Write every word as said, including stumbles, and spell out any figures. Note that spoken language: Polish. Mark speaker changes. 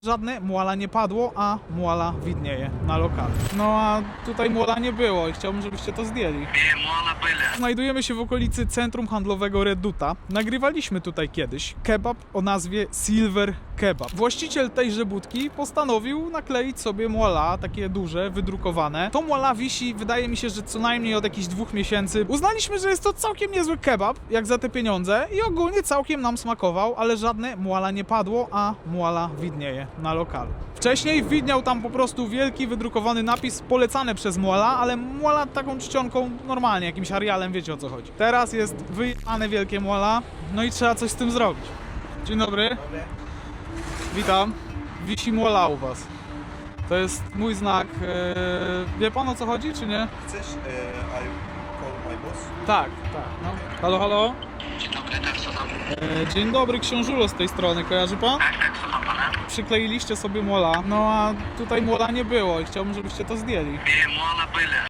Speaker 1: Żadne muala nie padło, a muala widnieje na lokalu. No a tutaj muala nie było i chciałbym, żebyście to zdjęli.
Speaker 2: Nie, muala byle.
Speaker 1: Znajdujemy się w okolicy centrum handlowego Reduta. Nagrywaliśmy tutaj kiedyś kebab o nazwie Silver Kebab. Właściciel tejże budki postanowił nakleić sobie muala, takie duże, wydrukowane. To muala wisi, wydaje mi się, że co najmniej od jakichś dwóch miesięcy. Uznaliśmy, że jest to całkiem niezły kebab, jak za te pieniądze i ogólnie całkiem nam smakował, ale żadne muala nie padło, a muala widnieje na lokalu. Wcześniej widniał tam po prostu wielki, wydrukowany napis polecany przez muala, ale muala taką czcionką normalnie, jakimś Arialem, wiecie o co chodzi. Teraz jest wyjechane wielkie muala, no i trzeba coś z tym zrobić. Dzień dobry. Witam. Wisi muala u was. To jest mój znak. Eee, wie pan o co chodzi, czy nie?
Speaker 3: Chcesz? Uh, I call my boss.
Speaker 1: Tak, tak. No. Halo, halo.
Speaker 2: Dzień dobry, tak, co tam?
Speaker 1: Eee, dzień dobry, książulo z tej strony, kojarzy pan?
Speaker 2: Tak, tak, co tam pana?
Speaker 1: Przykleiliście sobie muala, no a tutaj muala nie było i chciałbym, żebyście to zdjęli.
Speaker 2: Nie, muala byle.